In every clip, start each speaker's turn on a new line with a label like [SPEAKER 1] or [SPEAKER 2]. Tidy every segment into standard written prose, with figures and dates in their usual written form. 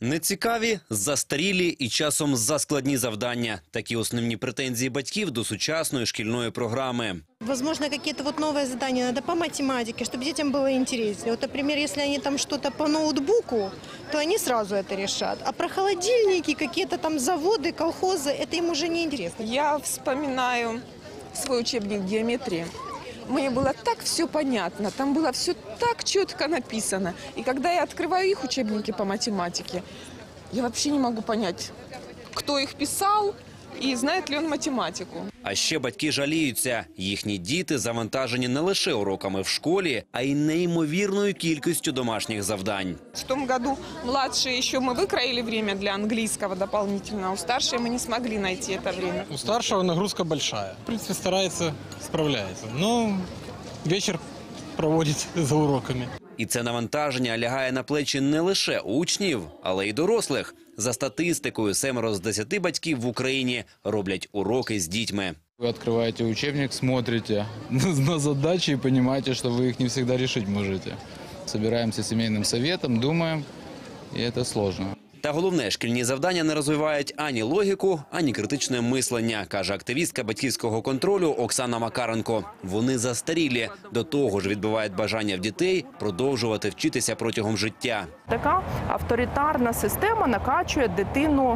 [SPEAKER 1] Нецікаві, застарілі і часом заскладні завдання. Такі основні претензії батьків до сучасної шкільної програми.
[SPEAKER 2] Возможно, какие-то новые задания надо по математике, чтобы детям было интереснее. Вот, например, если они там что-то по ноутбуку, то они сразу это решат. А про холодильники, какие-то там заводы, колхозы, это им уже не интересно.
[SPEAKER 3] Я вспоминаю свой учебник геометрии. Мне было так все понятно, там было все так четко написано. И когда я открываю их учебники по математике, я вообще не могу понять, кто их писал и знает ли он математику.
[SPEAKER 1] А ще батьки жаліються. Їхні діти завантажені не лише уроками в школі, а й неймовірною кількістю домашніх завдань.
[SPEAKER 3] В том году младшие еще мы выкроили время для английского дополнительно, а у старшей мы не смогли найти это время.
[SPEAKER 4] У старшего нагрузка большая. В принципе, старается, справляется. Но вечер проводит за уроками.
[SPEAKER 1] І це навантаження лягає на плечі не лише учнів, але й дорослих. За статистикою, 7 з 10 батьків в Україні роблять уроки з дітьми.
[SPEAKER 5] Вы открываете учебник, смотрите на задачи и понимаете, что вы их не всегда решить можете. Собираемся семейным советом, думаем, и это сложно.
[SPEAKER 1] Та головне, шкільні завдання не розвивають ані логіку, ані критичне мислення, каже активістка батьківського контролю Оксана Макаренко. Вони застарілі. До того ж відбивають бажання в дітей продовжувати вчитися протягом життя.
[SPEAKER 6] Така авторитарна система накачує дитину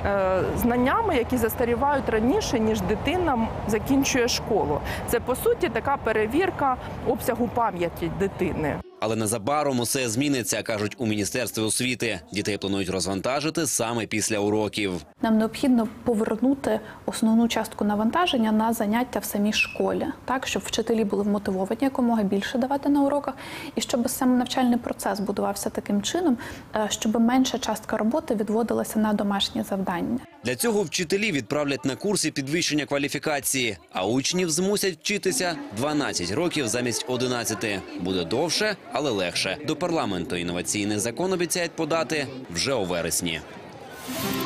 [SPEAKER 6] знаннями, які застарівають раніше, ніж дитина закінчує школу. Це, по суті, така перевірка обсягу пам'яті дитини.
[SPEAKER 1] Але незабаром усе зміниться, кажуть у Міністерстві освіти. Дітей планують розвантажити саме після уроків.
[SPEAKER 7] Нам необхідно повернути основну частку навантаження на заняття в самій школі, так, щоб вчителі були вмотивовані якомога більше давати на уроках, і щоб сам навчальний процес будувався таким чином, щоб менша частка роботи відводилася на домашні завдання.
[SPEAKER 1] Для цього вчителі відправлять на курси підвищення кваліфікації, а учнів змусять вчитися 12 років замість 11. Буде довше, але легше. До парламенту інноваційний закон обіцяють подати вже у вересні.